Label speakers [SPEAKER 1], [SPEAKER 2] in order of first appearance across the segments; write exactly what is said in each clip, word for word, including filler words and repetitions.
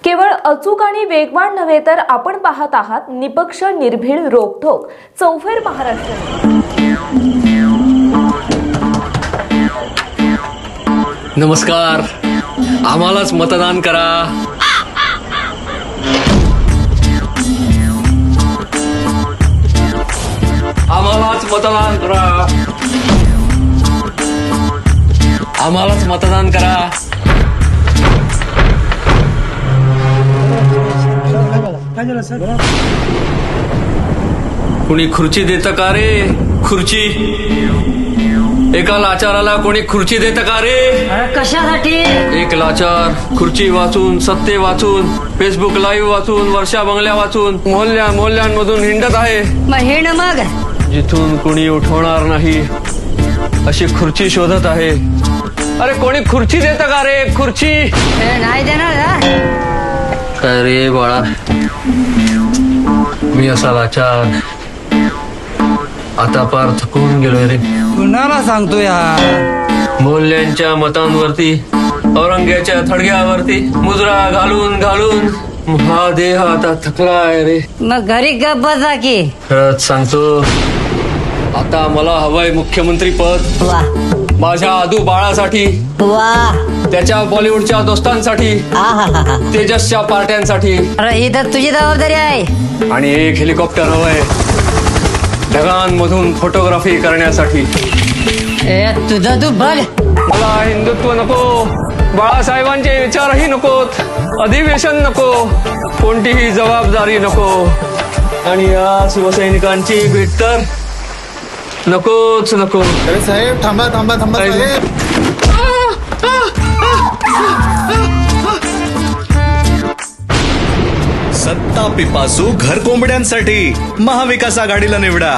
[SPEAKER 1] केवळ अचूक आणि वेगवान नव्हे तर आपण पाहत आहात निपक्ष निर्भीड रोखोक चौफेर महाराष्ट्र।
[SPEAKER 2] नमस्कार, आम्हालाच मतदान करा। आम्हालाच मतदान करा। आम्हालाच मतदान करा। कोणी खुर्ची देतं का रे? खुर्ची एका लाचाराला कोणी खुर्ची देतं का रे?
[SPEAKER 3] कशासाठी?
[SPEAKER 2] एक लाचार खुर्ची वाचून, सत्ते वाचून, फेसबुक लाईव्ह वाचून, वर्षा बंगल्या वाचून, मोहल्ल्या मोहल्ल्यांमधून हिंडत आहे।
[SPEAKER 3] मग हे न मग
[SPEAKER 2] जिथून कोणी उठवणार नाही अशी खुर्ची शोधत आहे। अरे कोणी खुर्ची देतं का रे? खुर्ची
[SPEAKER 3] हे नाही देणार ना?
[SPEAKER 2] काय रे बाळा, मी असा लाचार आता पार थकून गेलोय रे।
[SPEAKER 4] कुणाला सांगतो यार?
[SPEAKER 2] मोहल्ल्यांच्या मतांवरती, औरंग्याच्या थडग्यावरती मुजरा घालून घालून हा देह आता थकलाय रे।
[SPEAKER 3] मग घरी गप्प बसा की।
[SPEAKER 2] खरंच सांगतो, आता मला हवंय मुख्यमंत्री पद।
[SPEAKER 3] वा
[SPEAKER 2] माझ्या आदू बाळासाठी,
[SPEAKER 3] वा
[SPEAKER 2] त्याच्या बॉलिवूडच्या दोस्तांसाठी,
[SPEAKER 3] आहाहाहा.
[SPEAKER 2] तेजसच्या पार्ट्यांसाठी,
[SPEAKER 3] अरे ही तर तुझी जबाबदारी आहे।
[SPEAKER 2] आणि एक हेलिकॉप्टर हवंय ढगांमधून फोटोग्राफी करण्यासाठी।
[SPEAKER 3] ए तुझं तू बघ।
[SPEAKER 2] मला हिंदुत्व नको, बाळासाहेबांचे विचारही नकोत, अधिवेशन नको, कोणतीही जबाबदारी नको, आणि या शिवसैनिकांची भेट तर नकोच नको।
[SPEAKER 5] अरे साहेब थांबा थांबा थांबा साहेब।
[SPEAKER 6] सत्ता पिपासू घर कोंबड्यांसाठी महाविकास आघाडीला निवडा।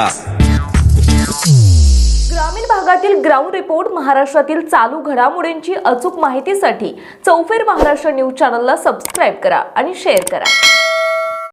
[SPEAKER 1] ग्रामीण भागातील ग्राउंड रिपोर्ट, महाराष्ट्रातील चालू घडामोडींची अचूक माहितीसाठी चौफेर महाराष्ट्र न्यूज चॅनलला सबस्क्राईब करा आणि शेअर करा।